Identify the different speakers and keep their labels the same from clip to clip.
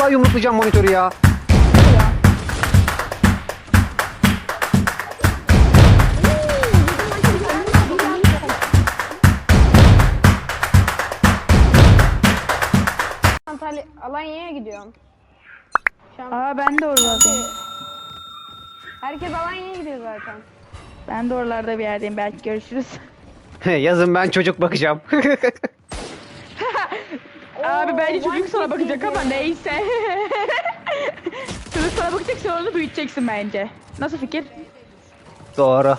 Speaker 1: Vallahi yumruklayacağım monitörü ya.
Speaker 2: Antalya Alanya'ya gidiyorum. Şu an
Speaker 3: Aa ben de oralardayım.
Speaker 2: herkes Alanya'ya gidiyor zaten.
Speaker 3: Ben de oralarda bir yerdeyim. Belki görüşürüz.
Speaker 1: Yazın ben çocuk bakacağım.
Speaker 3: Abi bence çocuk
Speaker 2: one
Speaker 3: sana
Speaker 2: kid
Speaker 3: bakacak
Speaker 2: baby.
Speaker 3: ama neyse. Çocuk sana bakacak, sonra onu büyüteceksin bence. Nasıl fikir?
Speaker 1: Doğru.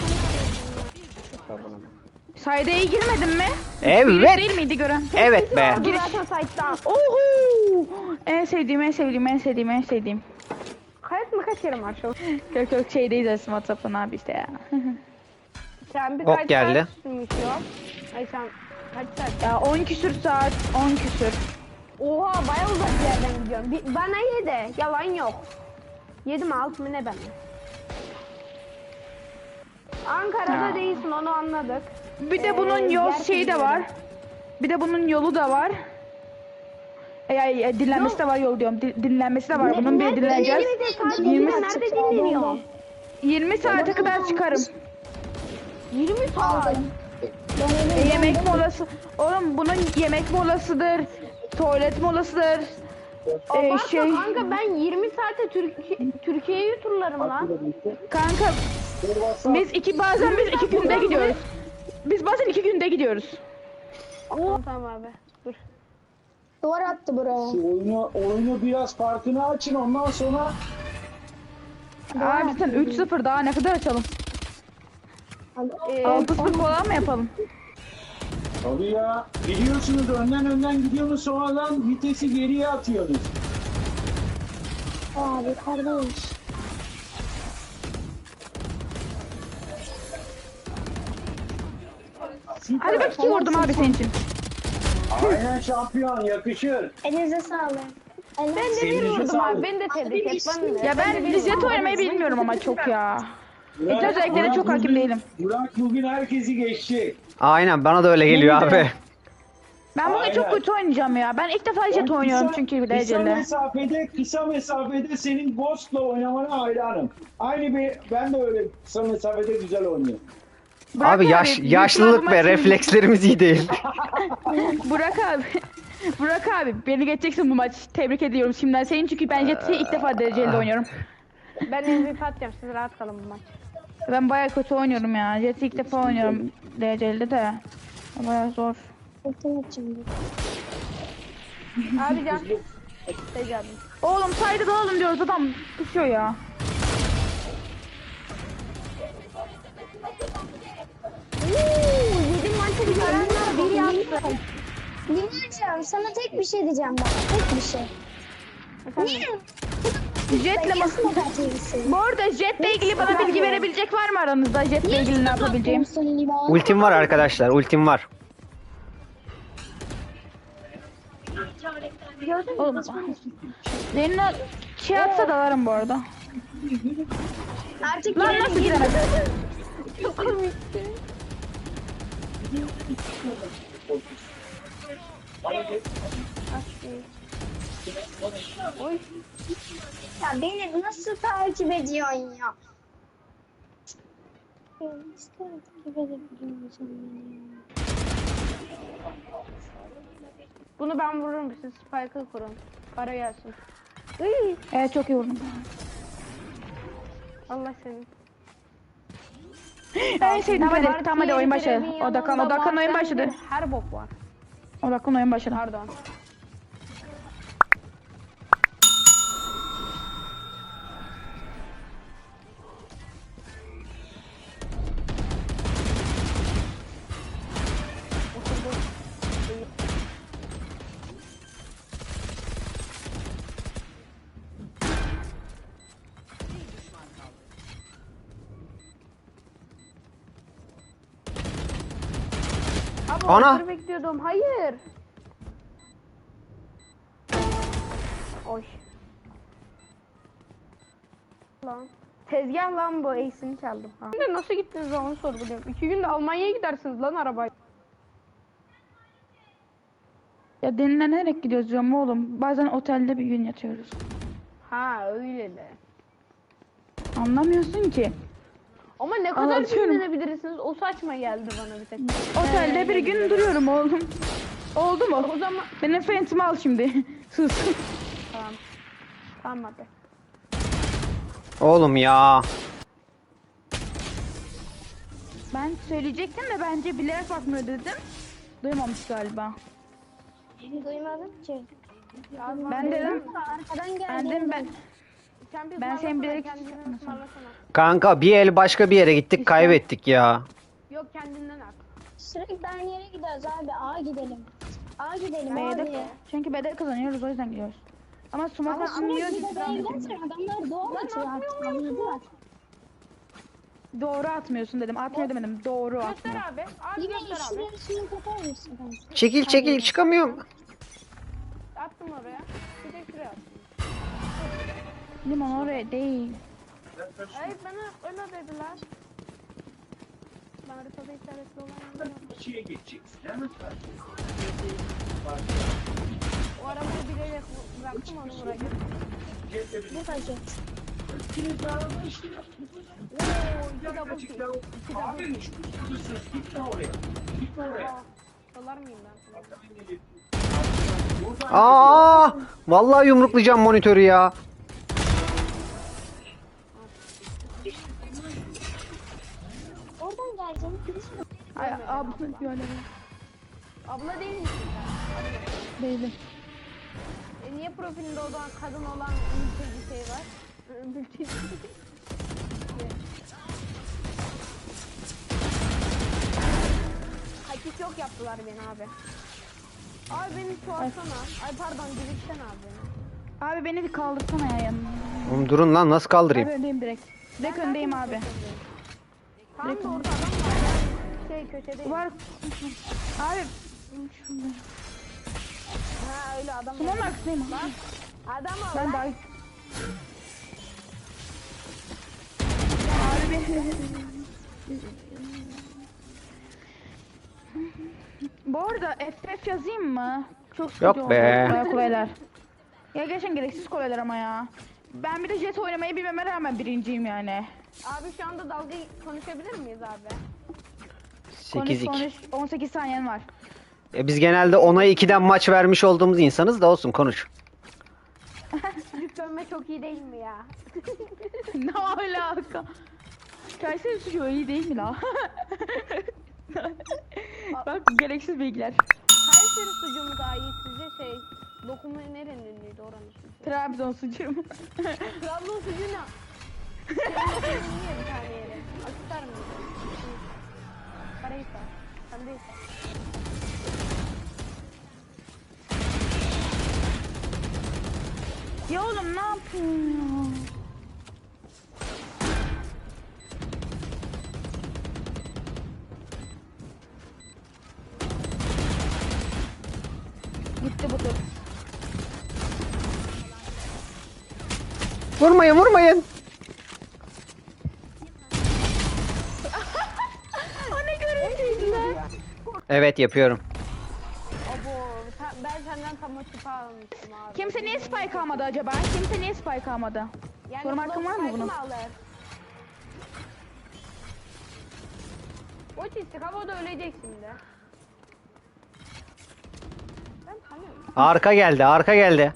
Speaker 3: Sayda'ya girmedin mi?
Speaker 1: Evet.
Speaker 3: Birisi değil miydi gören?
Speaker 1: Evet be.
Speaker 2: Giriş site'dan.
Speaker 3: Oho! En sevdiğim, en sevdiğim, en sevdiğim, en sevdiğim.
Speaker 2: Kayıt mı kaç kere var şu?
Speaker 3: Yok yok şeydeyiz aslında WhatsApp'tan abi işte ya.
Speaker 2: Sen bir
Speaker 1: Ok
Speaker 2: kaç
Speaker 1: geldi.
Speaker 2: saat sürmüş ya? Ay sen kaç saat?
Speaker 3: Ya 10 küsür saat, 10 küsür.
Speaker 2: Oha bayağı uzak bir yerden gidiyorum. Bana yedi. Yalan yok. 7 mi 6 mı ne ben? Ankara'da
Speaker 3: Ya.
Speaker 2: değilsin onu anladık.
Speaker 3: Bir de bunun yol
Speaker 2: diğer
Speaker 3: şeyi de var. Bir de bunun yolu da var. Dinlenmesi de var, yol diyorum. Dinlenmesi de var. Bunun bir dinleneceğiz.
Speaker 2: 20 nerede dinleniyor?
Speaker 3: 20 saate kadar çıkarım.
Speaker 2: 20 saat.
Speaker 3: Yemek molası. Oğlum bunun yemek molasıdır. Tuvalet molasıdır.
Speaker 2: Abartma kanka ben 20 saate Türkiye'yi turlarım lan.
Speaker 3: Kanka bazen biz 2 günde gidiyoruz. Biz bazen 2 günde gidiyoruz.
Speaker 2: Tamam abi. Dur.
Speaker 4: Duvar attı buraya.
Speaker 5: Oyunu biraz farkını açın ondan sonra
Speaker 3: Abi sen 3-0 daha ne kadar açalım? 6-0 falan mı yapalım?
Speaker 5: tabii ya gidiyorsunuz önden gidiyorsunuz sonradan vitesi geriye atıyorsunuz.
Speaker 4: Abi kardeş.
Speaker 3: Hadi bak 2 vurdum abi senin için.
Speaker 5: Aynen şampiyon yakışır.
Speaker 4: Elinize sağlık.
Speaker 2: Ben de bir
Speaker 5: Elinize
Speaker 2: vurdum
Speaker 5: sağlık.
Speaker 2: abi. Ben de tebrik et.
Speaker 3: Ya ben jet oynamayı bilmiyorum ama çok ya.
Speaker 5: Burak-
Speaker 3: özelliklere
Speaker 5: Burak
Speaker 3: çok hakim
Speaker 5: bugün-
Speaker 3: değilim.
Speaker 5: Burak bugün herkesi geçti.
Speaker 1: Aynen bana da öyle geliyor abi.
Speaker 3: Ben bugün çok
Speaker 5: Aynen.
Speaker 3: kötü oynayacağım ya. Ben ilk defa jet oynuyorum çünkü bir dereceli.
Speaker 5: Kısa mesafede senin Ghost'la oynamana hayranım. Ben de öyle kısa mesafede güzel oynuyorum.
Speaker 3: Burak
Speaker 1: Abi yaşlılık
Speaker 3: büyük
Speaker 1: ve
Speaker 3: ihtimalle
Speaker 1: reflekslerimiz iyi değil.
Speaker 3: Burak abi. Burak abi beni geçeceksin bu maç. Tebrik ediyorum şimdiden senin çünkü ben Jet'i ilk defa dereceli oynuyorum.
Speaker 2: Ben MVP atacağım. Siz rahat kalın bu maç.
Speaker 3: Ben bayağı kötü oynuyorum ya. Jet'i ilk defa oynuyorum dereceli de. Bayağı zor.
Speaker 4: Ultim atacağım.
Speaker 2: Abi can. Şey abi.
Speaker 3: Oğlum saydı da oğlum diyoruz adam pusuyor ya.
Speaker 2: Yedim maçı bir karanlar bir yaptı.
Speaker 4: Dinleyeceğim. Sana tek bir şey diyeceğim bak. Tek bir şey. Niye?
Speaker 3: Jet'le
Speaker 4: Kesin operatifisin.
Speaker 3: Bu arada Jet'le ilgili bana bilgi verebilecek var mı aranızda? Jet'le ilgili ne yapabileceğim?
Speaker 1: Ultim var arkadaşlar, ultim var.
Speaker 3: Oğlum. Senin o şey atsa da varım bu arada.
Speaker 4: Artık
Speaker 3: Lan nasıl giremez?
Speaker 2: Çok komikti. Oy.
Speaker 4: Ya beni nasıl takip ediyorsun ya? Ya nasıl takip edebiliyorsun beni ya?
Speaker 2: Bunu ben vururum. Siz spike'ı kurun. Para gelsin. Iy,
Speaker 3: Evet çok iyi vurdum.
Speaker 2: Allah senin.
Speaker 3: En sevdiğim hadi. Tamam hadi oyun başladı.
Speaker 2: Treviño'nun
Speaker 3: Odaklan oyun
Speaker 2: da
Speaker 3: başladı.
Speaker 2: bahsedilir, her bok var.
Speaker 3: Odaklan oyun başladı.
Speaker 2: Pardon. Abi
Speaker 1: Ana!
Speaker 2: Ana. Bekliyordum. Hayır. Oy. Lan. Tezgah lan bu. Ace'ini çaldım. Ha. Şimdi nasıl gittiniz lan onu sorguluyorum. 2 günde Almanya'ya gidersiniz lan arabayla.
Speaker 3: Ya dinlenerek gidiyoruz diyorum oğlum. Bazen otelde bir gün yatıyoruz.
Speaker 2: Ha öyle de.
Speaker 3: Anlamıyorsun ki.
Speaker 2: Ama ne kadar
Speaker 3: Anlatıyorum.
Speaker 2: dinlenebilirsiniz? O saçma geldi bana bir tek.
Speaker 3: Otelde bir gün duruyorum oğlum. Oldu mu?
Speaker 2: O zaman
Speaker 3: Benim fentimi al şimdi. Sus.
Speaker 2: tamam. Tamam hadi.
Speaker 1: Oğlum ya.
Speaker 3: Ben söyleyecektim de bence bilerek bakmıyor dedim. Duymamış galiba.
Speaker 4: Duymadım ki.
Speaker 3: Ben dedim.
Speaker 4: Arkadan geldi.
Speaker 3: Ben dedim ben.
Speaker 2: Sen bir
Speaker 3: Ben senin
Speaker 2: ısmarlasana,
Speaker 3: bilerek-
Speaker 2: kendini ısmarlasana.
Speaker 1: Kanka bir el başka bir yere gittik kaybettik ya.
Speaker 2: Yok kendinden at.
Speaker 4: Sürekli aynı yere gidiyoruz abi. A gidelim. A gidelim
Speaker 3: B'de,
Speaker 4: abi.
Speaker 3: çünkü B'de kazanıyoruz o yüzden gidiyoruz. Ama sumak
Speaker 4: Ama
Speaker 3: atmıyor ki.
Speaker 4: sürekli B'ye gidersen adamlar doğru atıyor artık. Anladılar.
Speaker 3: Doğru atmıyorsun dedim. Atmıyor demedim. Doğru atmıyor.
Speaker 2: Göster abi. Abi
Speaker 4: Yine
Speaker 2: göster abi.
Speaker 4: şuraya şunu kapar mısın?
Speaker 1: Çekil çekil çıkamıyorum.
Speaker 2: Attım oraya. Bir de şuraya attım.
Speaker 3: Limon oraya değil.
Speaker 2: Hayır bana öyle dediler. Ben haritada işaretli olan yok.
Speaker 5: Şeye geçeceksin. Hemen
Speaker 2: O arabayı bilerek bıraktım onu buraya.
Speaker 4: Bu paket.
Speaker 2: Oo, iki double kill. İki double
Speaker 5: Aferin şu kutusu. Gitme oraya. Gitme oraya.
Speaker 2: Dolar mıyım ben sana?
Speaker 1: Aa! Vallahi yumruklayacağım monitörü ya.
Speaker 4: Oradan geleceğini
Speaker 3: Ay abla böyle
Speaker 2: Abla değil misin sen?
Speaker 3: değilim.
Speaker 2: Niye profilinde o zaman kadın olan bir şey var? Mülteci. Haki çok yaptılar beni abi. Abi beni çoğalsana. Ay pardon dirilsen abi beni.
Speaker 3: Abi beni bir kaldırsana ya yanına.
Speaker 1: Oğlum durun lan nasıl
Speaker 3: Abi
Speaker 1: kaldırayım?
Speaker 3: öndeyim direkt. Direkt öndeyim abi.
Speaker 2: Tam da orada adam var. Şey köşedeyim.
Speaker 3: Var. Abi. Şurada.
Speaker 2: Ha öyle adam
Speaker 3: Sumonun
Speaker 2: var.
Speaker 3: arkasındayım. abi.
Speaker 2: Adam var.
Speaker 3: Ben
Speaker 2: lan.
Speaker 3: daha... Abi bir... Bu arada FF yazayım mı? Çok sıkıcı
Speaker 1: Yok
Speaker 3: oldu.
Speaker 1: be.
Speaker 3: Bayağı kolaylar. Ya gerçekten gereksiz kolaylar ama ya. Ben bir de jet oynamayı bilmeme rağmen birinciyim yani.
Speaker 2: Abi şu anda dalga konuşabilir miyiz abi?
Speaker 1: 8-2.
Speaker 3: Konuş, 18 saniyen var.
Speaker 1: Biz genelde 10'a 2'den maç vermiş olduğumuz insanız da olsun konuş.
Speaker 2: Çocuk dönme çok iyi değil mi ya?
Speaker 3: Ne alaka? Kayseri suçu iyi değil mi la? Bak gereksiz bilgiler.
Speaker 2: Kayseri sucuğu mu daha iyi sizce şey? Lokumu nerenin ünlüydü oranın sucuğu?
Speaker 3: Trabzon sucuğu mu?
Speaker 2: Trabzon sucuğu ne? Niye bir tane yere? Akisar mı? Karahisar. Kandıysa.
Speaker 3: Ya oğlum ne yapıyorsun ya? Gitti bu tur.
Speaker 1: Vurmayın vurmayın.
Speaker 3: O ne görüntüydü lan?
Speaker 1: Evet yapıyorum.
Speaker 2: Abo ben senden tam o tipi almıştım abi.
Speaker 3: Kimse niye spike almadı acaba? Kimse niye spike almadı? Sorum hakkın var mı bunun?
Speaker 2: Alır. O çizdik havada ölecek şimdi. Ben tanıyorum.
Speaker 1: Arka geldi arka geldi.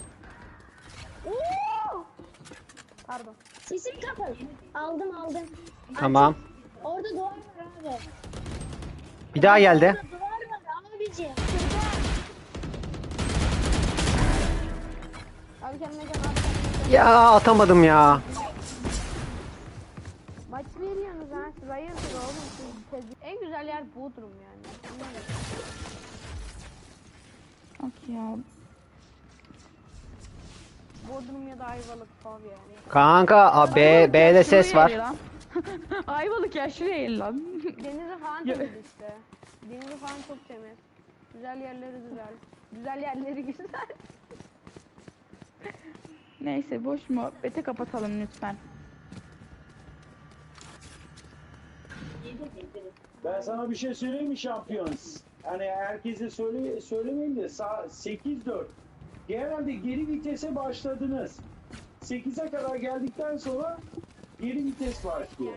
Speaker 2: Oo! Pardon.
Speaker 4: Sesim kapalı. Aldım.
Speaker 1: Tamam.
Speaker 4: Orada duvar var abi.
Speaker 1: Bir daha geldi.
Speaker 4: Orada duvar var abiciğim.
Speaker 2: Abi kendine gel abi kendine gel.
Speaker 1: Ya atamadım ya.
Speaker 2: Maç veriyorsunuz ha siz hayırdır oğlum siz en güzel yer Bodrum yani.
Speaker 3: Bak ya.
Speaker 2: Bodrum ya da Ayvalık falan yani.
Speaker 1: Kanka
Speaker 3: Ayvalık
Speaker 1: B'de
Speaker 3: ya,
Speaker 1: ses
Speaker 3: şuraya
Speaker 1: var.
Speaker 3: el lan. Ayvalık ya şuraya el lan.
Speaker 2: Denizi falan temiz işte. Denizi falan çok temiz. Güzel yerleri güzel. Güzel yerleri güzel.
Speaker 3: Neyse boş muhabbeti kapatalım lütfen.
Speaker 5: Ben sana bir şey söyleyeyim mi şampiyon? Hani herkese söylemeyeyim de 8-4. Genelde geri vitese başladınız. 8'e kadar geldikten sonra geri vites başlıyor.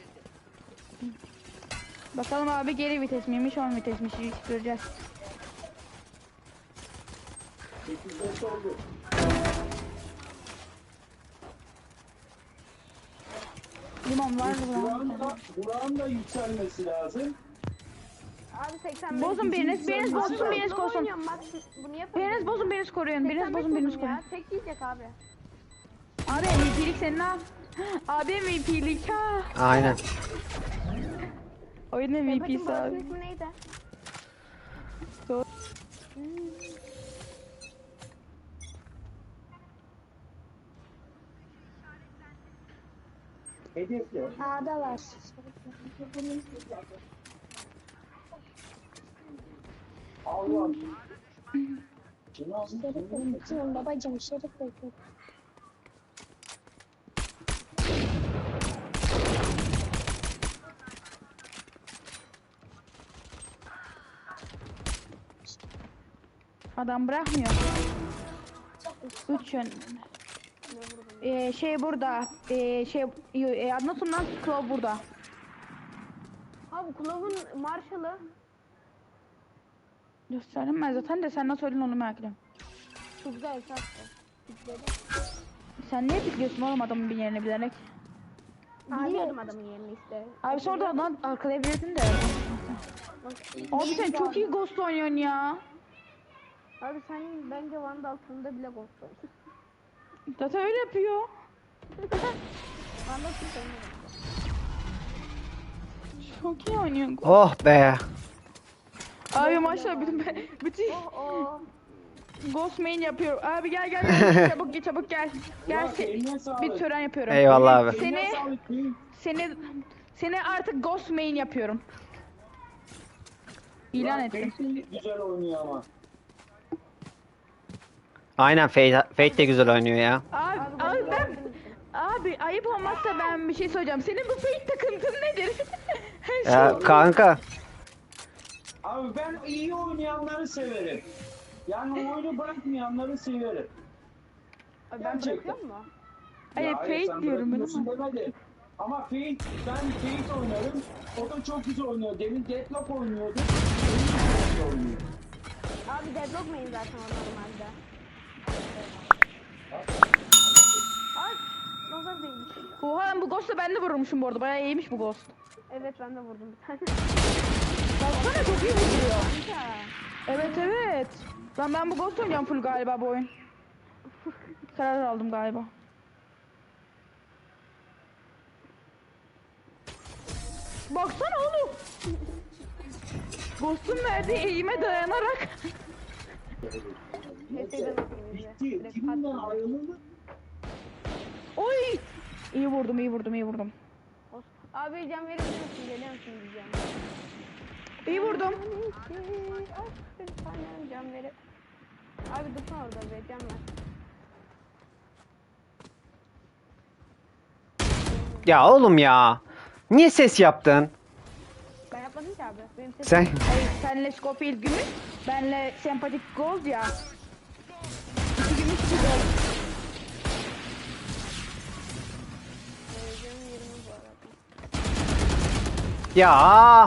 Speaker 3: Bakalım abi geri vites miymiş 10 vitesmiş göreceğiz.
Speaker 5: 8-5 oldu.
Speaker 3: Limon var mı?
Speaker 5: Buranın da yükselmesi lazım.
Speaker 2: Abi 85.
Speaker 3: Bozun biriniz bozsun biriniz
Speaker 2: Ne
Speaker 3: korusun.
Speaker 2: oynuyorum bak bunu yapalım.
Speaker 3: Biriniz bozun biriniz koruyun. Biriniz bozun biriniz koruyun.
Speaker 2: ya. Tek yiyecek abi.
Speaker 3: Abi MVP'lik senin ha. Abi MVP'lik ha.
Speaker 1: Aynen.
Speaker 3: Oyun
Speaker 2: Bakın
Speaker 3: MVP'si
Speaker 2: Barış'ın
Speaker 3: abi.
Speaker 2: ismi neydi?
Speaker 5: Hedefle.
Speaker 4: A'da var.
Speaker 5: Allah. Şunu alsın.
Speaker 4: Şerif bekliyorum babacığım, Şerif bekliyorum.
Speaker 3: Adam bırakmıyor. 3 yön. Şey burada. Anlatın lan Claw burada.
Speaker 2: Abi Kulov'un Marshall'ı.
Speaker 3: Gösterdim ben zaten de sen nasıl öldün onu merak ediyorum.
Speaker 2: Çok güzel sattı.
Speaker 3: Sen niye biliyorsun oğlum adamın bir yerini bilerek?
Speaker 2: Bilmiyordum adamın yerini işte.
Speaker 3: Abi sonra da lan arkalayabilirdin de. Abi sen çok iyi Ghost oynuyorsun ya.
Speaker 2: Abi sen bence Vandal altında bile gol koydun.
Speaker 3: Zaten öyle yapıyor.
Speaker 2: Vandal hiç oynamadım.
Speaker 3: Çok iyi oynuyorsun.
Speaker 1: Oh be.
Speaker 3: Abi maşallah bütün
Speaker 2: Oh.
Speaker 3: Ghost main yapıyorum. Abi gel çabuk gel. Gel
Speaker 5: Burak, eline sağlık.
Speaker 3: bir tören yapıyorum.
Speaker 1: Eyvallah abi.
Speaker 5: Eline sağlık değil.
Speaker 3: Seni artık Ghost main yapıyorum. İlan
Speaker 5: Burak,
Speaker 3: ettim.
Speaker 5: Feyzi güzel oynuyor ama.
Speaker 1: Aynen Fate de güzel oynuyor ya.
Speaker 3: Abi ayıp olmazsa ben bir şey söyleyeceğim. Senin bu fake takıntın nedir? Her
Speaker 1: Ya
Speaker 3: şey.
Speaker 1: kanka.
Speaker 5: Abi ben iyi oynayanları severim. Yani oyunu bırakmayanları severim.
Speaker 2: Abi ben
Speaker 5: Gerçekten.
Speaker 2: bırakıyor mu?
Speaker 3: Hayır
Speaker 5: Ya
Speaker 3: fake
Speaker 5: sen
Speaker 3: diyorum ben
Speaker 5: bırakıyorsun
Speaker 3: ama.
Speaker 5: demedim. Ama ben Fate oynarım. O da çok güzel oynuyor. Demin Deadlock oynuyordu. Demin çok güzel oynuyor.
Speaker 2: Abi deadlock main zaten o normalde. Ay nazar değmiş.
Speaker 3: Oha bu Ghost'u ben de vurmuşum bu arada. Bayağı iyiymiş bu Ghost.
Speaker 2: Evet ben de vurdum bir tane.
Speaker 3: Baksana çok iyi vuruyor. Evet. Ben bu Ghost oynayacağım full galiba bu oyun. Karar aldım galiba. Baksana oğlum. Ghost'un verdiği eğime dayanarak.
Speaker 2: Epeyden atayım bize.
Speaker 5: Bitti.
Speaker 2: Direkt
Speaker 5: Kimden
Speaker 2: patladı.
Speaker 5: ayrıldı?
Speaker 3: Oy. İyi vurdum.
Speaker 2: Abi can verir misin? Geliyor musun diyeceğim.
Speaker 3: İyi vurdum.
Speaker 2: Bir tane can verir. Abi dursun orada be can ver.
Speaker 1: Ya oğlum ya. Niye ses yaptın?
Speaker 2: Ben yapmadım ki abi. Benim sesim.
Speaker 1: Sen
Speaker 3: Hayır senle Scofield gümüş. Benle sempatik gold ya. 2 gümüş 2 gold.
Speaker 2: Canım 20 bu arada.
Speaker 1: ya.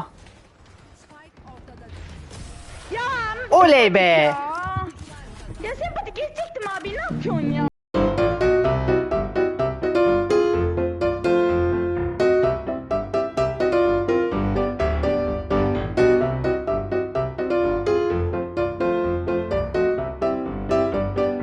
Speaker 3: Ya
Speaker 1: Oley be.
Speaker 3: ya. Ya sempatik geçecektim abi ne yapıyorsun ya?